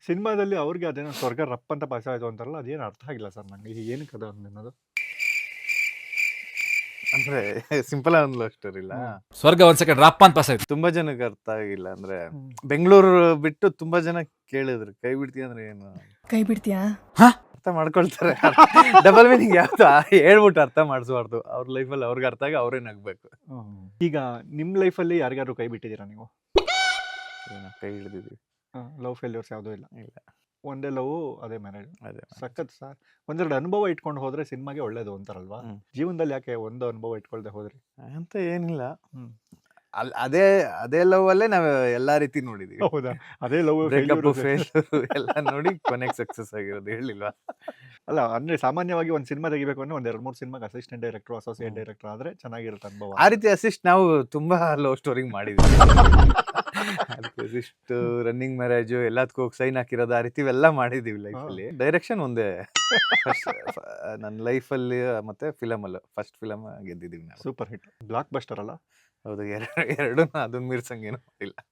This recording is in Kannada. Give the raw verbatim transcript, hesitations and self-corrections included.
ಸಿನಿಮಾದಲ್ಲಿ ಅವ್ರಿಗೆ ಅದೇನೋ ಸ್ವರ್ಗ ರಪ್ ಅಂತ ಪಾಸ್ ಆಯ್ತು ಅಂತಾರಲ್ಲ, ಅದೇನು ಅರ್ಥ ಆಗಿಲ್ಲ ಸರ್ ನಂಗೆ. ಏನಕ್ಕೆ ಅದು ಅನ್ನೋದು? ಅಂದ್ರೆ ಸಿಂಪಲ್ ಆಗಿ ಒಂದು ಲವ್ ಸ್ಟೋರಿ ಇಲ್ಲ, ಹ್ಮ್. ಸ್ವರ್ಗ ಒಂದ್ ಸೆಕೆಂಡ್ ರಪ್ಪ ಅಂತ ಪಾಸ್ ಆಯ್ತು. ತುಂಬಾ ಜನಕ್ಕೆ ಅರ್ಥ ಆಗಿಲ್ಲ. ಅಂದ್ರೆ ಹ್ಮ್. ಬೆಂಗಳೂರು ಬಿಟ್ಟು ತುಂಬಾ ಜನ ಕೇಳಿದ್ರು ಕೈ ಬಿಡ್ತೀಯ ಅಂದ್ರೆ ಏನು ಕೈ ಬಿಡ್ತೀಯಾ? ಅರ್ಥ ಮಾಡ್ಕೊಳ್ತಾರೆ. ಡಬಲ್ ಮೀನಿಂಗ್ ಯಾವ್ದು ಹೇಳ್ಬಿಟ್ಟು ಅರ್ಥ ಮಾಡಿಸ್ಬಾರ್ದು. ಅವ್ರ ಲೈಫಲ್ಲಿ ಅವ್ರಿಗೆ ಅರ್ಥ ಆಗಿ ಅವ್ರೇ ನಗ್ಬೇಕು. ಹ್ಮ್. ಈಗ ನಿಮ್ ಲೈಫಲ್ಲಿ ಯಾರಿಗಾದ್ರು ಕೈ ಬಿಟ್ಟಿದ್ದೀರಾ ನೀವು? ಏನೋ ಕೈ ಹಿಡಿದಿದ್ವಿ. ಲವ್ ಫೇಲ್ಯೂರ್ಸ್ ಯಾವುದೂ ಇಲ್ಲ? ಇಲ್ಲ, ಒಂದೇ ಲವ್, ಅದೇ ಮ್ಯಾರೇಜ್. ಅದೇ ಸಖತ್ ಸರ್. ಒಂದೆರಡು ಅನುಭವ ಇಟ್ಕೊಂಡು ಹೋದ್ರೆ ಸಿನಿಮಾಗೆ ಒಳ್ಳೇದು ಅಂತಾರಲ್ವಾ? ಹ್ಮ್. ಜೀವನದಲ್ಲಿ ಯಾಕೆ ಒಂದು ಅನುಭವ ಇಟ್ಕೊಳ್ದೆ ಹೋದ್ರಿ? ಅಂತ ಏನಿಲ್ಲ. ಹ್ಮ್. ಅಲ್ ಅದೇ ಅದೇ ಲವ್ ಅಲ್ಲೇ ನಾವ್ ಎಲ್ಲಾ ರೀತಿ ನೋಡಿದೀವಿ. ಹೌದಾ? ಅದೇ ಲವ್ ಬ್ರೇಕಪ್, ಫೇಲ್ ಎಲ್ಲ ನೋಡಿ ಕೊನೆಗೆ ಸಕ್ಸಸ್ ಆಗಿರೋದು. ಹೇಳಿಲ್ವಾ? ಅಲ್ಲ ಅಂದ್ರೆ ಸಾಮಾನ್ಯವಾಗಿ ಒಂದ್ ಸಿನಿಮಾ ತೆಗಿಬೇಕು ಅಂದ್ರೆ ಒಂದ್ ಎರಡ್ ಮೂರ್ ಸಿನಿಮಾಗೆ ಅಸಿಸ್ಟೆಂಟ್ ಡೈರೆಕ್ಟರ್, ಅಸೋಸಿಯೇಟ್ ಹ್ಮ್. ಡೈರೆಕ್ಟರ್ ಆದ್ರೆ ಚೆನ್ನಾಗಿರುತ್ತೆ ಅನುಭವ. ಆ ರೀತಿ ಅಸಿಸ್ಟ್ ನಾವು ತುಂಬಾ ಲವ್ ಸ್ಟೋರಿಂಗ್ ಮಾಡಿದ್ವಿ. ಅದಕ್ಕೆ ಅಸಿಸ್ಟ್, ರನ್ನಿಂಗ್ ಮ್ಯಾರೇಜ್ ಎಲ್ಲದಕ್ಕೂ ಹೋಗಿ ಸೈನ್ ಹಾಕಿರೋದು, ಆ ರೀತಿ ಎಲ್ಲ ಮಾಡಿದೀವಿ ಲೈಫಲ್ಲಿ. ಡೈರೆಕ್ಷನ್ ಒಂದೇ ನನ್ನ ಲೈಫಲ್ಲಿ ಮತ್ತೆ ಫಿಲಮ್ ಅಲ್ಲೂ ಫಸ್ಟ್ ಫಿಲಮ್ ಗೆದ್ದಿದ್ದೀವಿ ನಾವು. ಸೂಪರ್ ಹಿಟ್, ಬ್ಲಾಕ್ ಬಸ್ಟರ್ ಅಲ್ಲ? ಹೌದು, ಎರಡು ಎರಡು ಅದನ್ನ ಮೀರ್ಸಂಗೇನು ಇಲ್ಲ.